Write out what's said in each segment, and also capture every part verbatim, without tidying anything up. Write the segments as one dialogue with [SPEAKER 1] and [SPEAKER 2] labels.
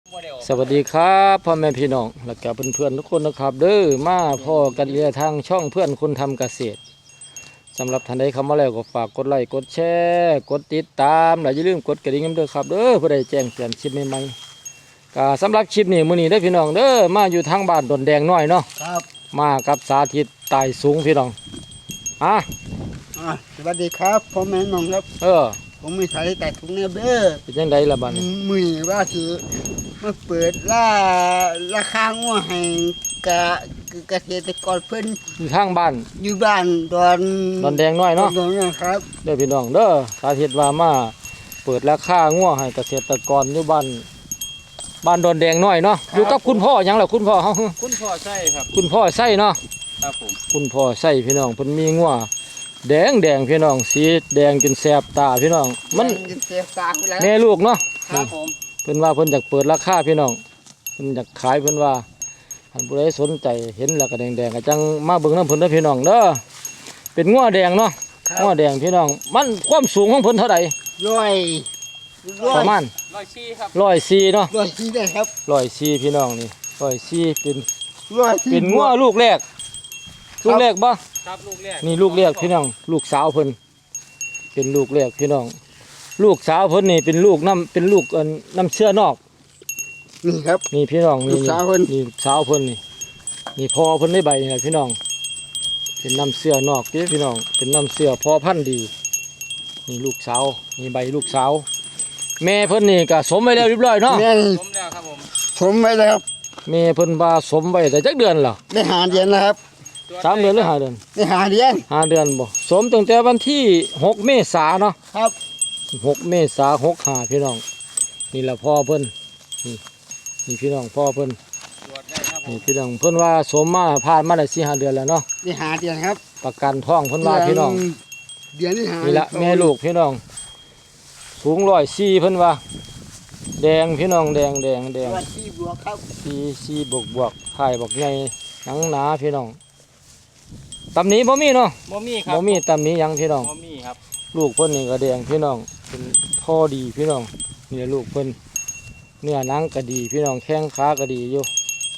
[SPEAKER 1] สวัสดีครับพ่อแม่พี่น้องและกับเพื่อนๆทุกคนนะครับเด้อมาพ่อกันเรียทางช่องเพื่อนคนทำเกษตรสำหรับท่านใดเข้ามาแล้วก็ฝากกดไลค์กดแชร์กดติดตามและอย่าลืมกดกระดิ่งด้วยครับเด้อเพื่อได้แจ้งเตือนคลิปใหม่ๆก็สำหรับคลิปนี้มื้อนี้ได้พี่น้องเด้อมาอยู่ทางบ้านดอนแดงน้อยเนาะ
[SPEAKER 2] ครับ
[SPEAKER 1] มากับสาธิตไต่สูงพี่น้องอ่ะ
[SPEAKER 2] อ่าสวัสดีครับพ่อแม่น้องครับ
[SPEAKER 1] เออ
[SPEAKER 2] ผมมีสายแต่ถุงเนื้อเบ้อ
[SPEAKER 1] เป็นยังไงล่ะบัดนี้
[SPEAKER 2] มือว่าสิมาเปิดล่าราคางัวให้กะเกษตรกรเพิ่น
[SPEAKER 1] อยู่ทางบ้าน
[SPEAKER 2] อยู่บ้านดอน
[SPEAKER 1] ดอนแดงน้อยเนาะ
[SPEAKER 2] ดอนนะครับ
[SPEAKER 1] เด้อพี่น้องเด้อสาธิตว่ามาเปิดราคางัวให้เกษตรกรอยู่บ้านบ้านดอนแดงน้อยเนาะอยู่กับคุณพ่อหยังล่ะคุณพ่อเฮา
[SPEAKER 3] คุณพ่อใช่ครับ
[SPEAKER 1] คุณพ่อใส่เนาะ
[SPEAKER 3] ครับผม
[SPEAKER 1] คุณพ่อใส่พี่น้องเพิ่นมีงัวแดงแดงพี่น้องสีแดงจนแสบตาพี่น้องมัน
[SPEAKER 2] เสียตาไปแล้ว
[SPEAKER 1] แม่ลูกเนาะ
[SPEAKER 3] ครับผม
[SPEAKER 1] เพิ่นว่าเพิ่นอยากเปิดราคาพี่น้องเพิ่นอยากขายเพิ่นว่าท่านผู้ใดสนใจเห็นแล้วก็แดงๆก็จังมาเบิ่งนำเพิ่นเด้อพี่น้องเด้อเป็นงัวแดงเนาะงัวแดงพี่น้องมันความสูงของเพิ่นเท่าใด
[SPEAKER 2] ร้อย
[SPEAKER 1] ประมาณ
[SPEAKER 3] ร้อยสี่ครับ
[SPEAKER 1] ร้อยสี่เนาะ
[SPEAKER 2] ร้อยสี่ได้ครับ
[SPEAKER 1] ร้อยสี่พี่น้องนี่ร้อยสี่เป็น
[SPEAKER 2] ร้อยสี่
[SPEAKER 1] เป็นงัวลูกแรกลูกแรกบ่
[SPEAKER 3] ครับลูกแรก
[SPEAKER 1] นี่ลูกแรกพี่น้องลูกสาวเพิ่นเป็นลูกแรกพี่น้องลูกสาวเพิ่นนี่เป็นลูกน้ำเป็นลูกน้ำเชื่อนอก
[SPEAKER 2] นี่ครับ
[SPEAKER 1] นี่พี่น้องนี่
[SPEAKER 2] ลูกสาวเพิ่น
[SPEAKER 1] นี่ลูกสาวเพิ่นนี่นี่พอเพิ่นได้ใบนี่แหละพี่น้องเป็นน้ำเชื่อนอกพี่พี่น้องเป็นน้ำเชื่อพอพันธุ์ดีนี่ลูกสาวนี่ใบลูกสาวแม่เพิ่นนี่ก็สมไว้แล้วเรียบร้อยเนาะ
[SPEAKER 2] แม่
[SPEAKER 3] ผมแล้วครับผม
[SPEAKER 2] ผมไว้แล้วครับ
[SPEAKER 1] แม่เพิ่นว่าสมไว้แต่จักเดือนล่ะ
[SPEAKER 2] ได้หาเดือนแล้วครับ
[SPEAKER 1] สามเดือนหรือห้าเดือน
[SPEAKER 2] ได้หาเดือน
[SPEAKER 1] ห้าเดือนบ่สมตั้งแต่วันที่หกเมษายนเนาะ
[SPEAKER 2] ครับ
[SPEAKER 1] หกเมษายนหกห้าพี่น้องนี่แหละพ่อเพิ่นนี่นี่พี่น้องพ่อเพิ่นนี่พี่น้องเพิ่นว่าสมมาผ่านมาได้สี่ห้าเดือนแล้วเนาะ
[SPEAKER 2] ได้หาเดือนครับ
[SPEAKER 1] ประกันท้องเพิ่นว่าพี่น้อง
[SPEAKER 2] เดือนที่หา
[SPEAKER 1] นี่ละแม่ลูกพี่น้องสูงร้อยสี่เพิ่นว่าแดงพี่น้องแดงแดงแดง
[SPEAKER 2] ร้อยสี่บวกครับ
[SPEAKER 1] สี่สี่บวกบวกไข่บอกใหญ่หนังหนาพี่น้องตำหนิบ่มีเนาะ
[SPEAKER 3] บ่มีครับ
[SPEAKER 1] บ่มีตำหนิยังพี่น้อง
[SPEAKER 3] บ่มีครับ
[SPEAKER 1] ลูกเพิ่นนี่ก็แดงพี่น้องเป็นพ่อดีพี่น้องนี่ลูกเพิ่นเนื้อหนังก็ดีพี่น้องแข้งขาก็ดีอยู่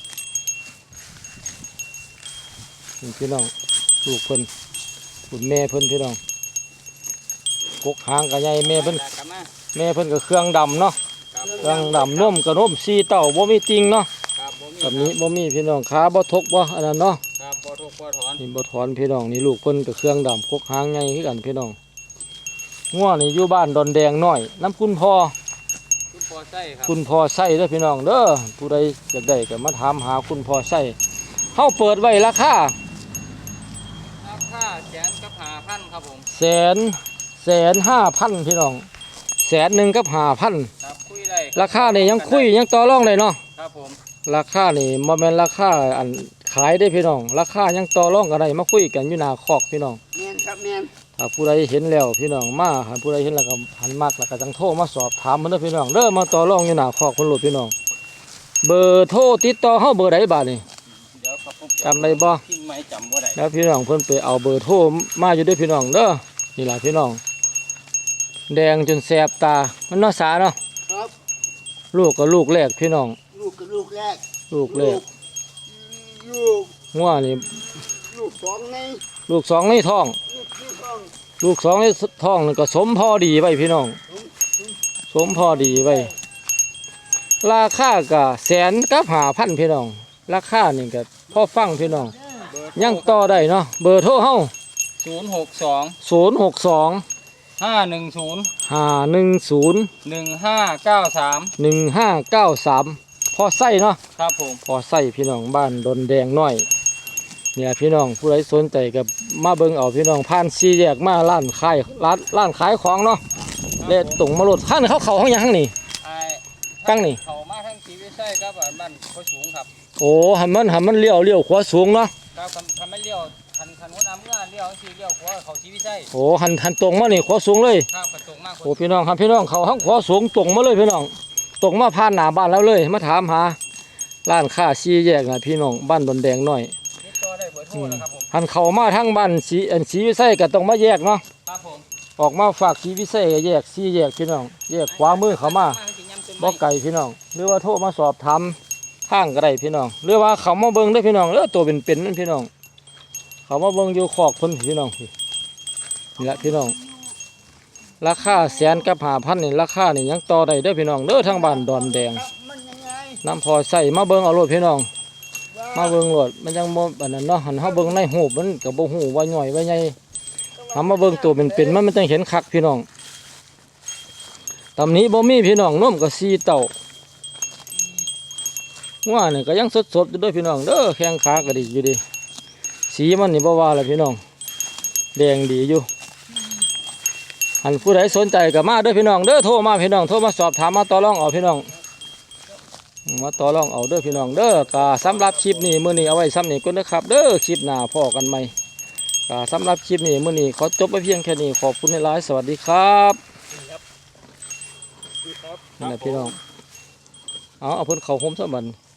[SPEAKER 1] นี่พี่น้องลูกเพิ่นคุณแม่เพิ่นพี่น้องกกหางก็ใหญ่แม่เพิ่นแม่เพิ่นก็เครื่องดำเนาะเครื่องดำนุ่มกระนุ่มซีเต่าบ่มีติงเนาะแบบนี้บ่มีพี่น้องขาบ่ทกบ่อันนั้นเนาะ
[SPEAKER 3] ครับบ่ทกบ่ถอน
[SPEAKER 1] นี่บ่ถอนพี่น้องนี่ลูกเพิ่นก็เครื่องดำกกหางใหญ่คือกันพี่น้องงัวนี่อยู่บ้านดอนแดงน้อยน้ำคุณพ่อ
[SPEAKER 3] คุณพ่อใส่ครับ
[SPEAKER 1] คุณพ่อใส่เด้อพี่น้องเด้อผู้ใดอยากได้ก็มาถามหาคุณพ่อใส่เฮาเปิดไว้ราคา
[SPEAKER 3] ราคาแสนกับห้าพันครับผม
[SPEAKER 1] แสนแสนห้าพันพี่น้องแสนหนึ่งกับห้าพัน
[SPEAKER 3] ครับคุยได้
[SPEAKER 1] ราคานี่ยังคุยยังต่อรองได้เนาะ
[SPEAKER 3] ครับผม
[SPEAKER 1] ราคานี่บ่แม่นราคาอันขายได้พี่น้องราคายังต่อรองกันได้มาคุยกันอยู่หน้าคอกพี่น้อง
[SPEAKER 2] แม่นครับแม่น
[SPEAKER 1] ถ้าผู้ใดเห็นแล้วพี่น้องมาหาผู้ใดเห็นแล้วก็หันมากแล้วก็จังโทรมาสอบถามมันเด้อพี่น้องเด้อมาต่อรองอยู่หน้าคอกคนโลดพี่น้องเบอร์โทรติดต่อเฮาเบอร์ใดบาดนี่
[SPEAKER 3] เดี๋ยวครับผม
[SPEAKER 1] จำได้บ่
[SPEAKER 3] พิมพ์ไม่จำบ่ได้
[SPEAKER 1] แล้วพี่น้องเพิ่นไปเอาเบอร์โทรมาอยู่ด้วยพี่น้องเด้อนี่ล่ะพี่น้องแดงจนแสบตามันเนาะสาเนาะ
[SPEAKER 2] ครับ
[SPEAKER 1] ลูกก็ลูกแรกพี่น้อง
[SPEAKER 2] ลูกกับลูกแรก
[SPEAKER 1] ลูกแรก
[SPEAKER 2] ลูก
[SPEAKER 1] งัวนี่
[SPEAKER 2] ลูกสองใน
[SPEAKER 1] ลูกสองในท้องลูกสองในท้องนี่ก็สมพอดีไว้พี่น้องสมพอดีไว้ราคาก็แสนกับห้าพันพี่น้องราคานี่ก็พอฟังพี่น้องยังต่อได้เนาะเบอร์โทรเฮา
[SPEAKER 3] ศูนย์หกสอง
[SPEAKER 1] ศูนย์หกสอง
[SPEAKER 3] ห้าหนึ่งศูนย์
[SPEAKER 1] ห้าหนึ่งศูนย์
[SPEAKER 3] หนึ่งห้าเก้าสาม
[SPEAKER 1] หนึ่งห้าเก้าสามพอไส้เนาะ
[SPEAKER 3] ครับผม
[SPEAKER 1] พอไส้พี่น้องบ้านดอนแดงน้อยเนี่ยพี่น้องผู้ใดสนใจกับมาเบิ่งเอาพี่น้องผ่านสี่แยกมาร้านขายร้านร้านขายของเนาะเลดตรงมาโหลดข้างเขาเขาห้องยังนี่ตั้งนี่
[SPEAKER 3] เขามาทั้งชีวิตใช่ครับบ้านเขาสูงครับ
[SPEAKER 1] โอ้หันมันหันมันเลี้ยวเลี้ยวขวาสูงเนาะ
[SPEAKER 3] ครับคันไม่เลี้ยวคันคันหัวน้ำเมื่อเลี้ยวสีเลี้ยวขวาเขาชีวิตใช่
[SPEAKER 1] โอ้หันหันตรงมานี่ขวาสูงเลย
[SPEAKER 3] ครับตรงมาก
[SPEAKER 1] โอ้พี่น้องครับพี่น้องเขาห้องขวาสูงตรงมาเลยพี่น้องตรงมาผ่านหน้าบ้านแล้วเลยมาถามหาร้านค้าสี่แยกนะพี่น้องบ้านดอนแดงน้อยหันเขามาทั้งบ้านสีอันสีวิไสก็ต้องมาแยกเนาะออกมาฝากสีวิไสแยกสี่แยกพี่น้องแยกขวามือเขามา
[SPEAKER 3] ม
[SPEAKER 1] บ่ไก่พี่น้องหรือว่าโทรมาสอบถามข้างก็ได้พี่น้องหรือว่าเขามาเบิ่งได้อพี่น้องแล้วตัวเป็นๆนั่นพี่น้องเขามาเบิ่งอยู่คอกเพิ่นพี่น้องพี่นี่แหละพี่น้องราคาแสนกับห้าพันนี่ราคานี่ยังต่อได้เด้อพี่น้องเด้อทางบ้านดอนแดง
[SPEAKER 2] มันยังไง
[SPEAKER 1] น้ำพอใส่มาเบิ่งเอาโลดพี่น้อง มาเบิ่งโลดมันยังบ่อันนั้นเนาะหันเฮาเบิ่งในหูปมันก็บ่ฮู้ว่าย่อยว่าใหญ่หามาเบิ่งตัวเป็นๆมันมันจังเห็นคักพี่น้องตำนี้บ่มีพี่น้องนมก็สี่เต้าว่านี่ก็ยังสดๆอยู่เด้อพี่น้องเด้อแข้งขาก็ดีอยู่ดีสีมันนี่บ่ว่าล่ะพี่น้องแดงดีอยู่หันผู้ใดสนใจก็มาเด้อพี่น้องเด้อโทรมาพี่น้องโทรมาสอบถามมาต่อรองเอาพี่น้องมาต่อรองเอาเด้อพี่น้องเด้อกะสำหรับคลิปนี้มื้อนี้เอาไว้ซ้ำนี่ก่อนนะครับเด้อคลิปหน้าพอกันใหม่กะสำหรับคลิปนี้มื้อนี้ขอจบไปเพียงแค่นี้ขอบคุณหลายๆสวัสดีครับนี่แหละพี่น้องเอาเอาเพิ่นเข้าโฮมซะบัด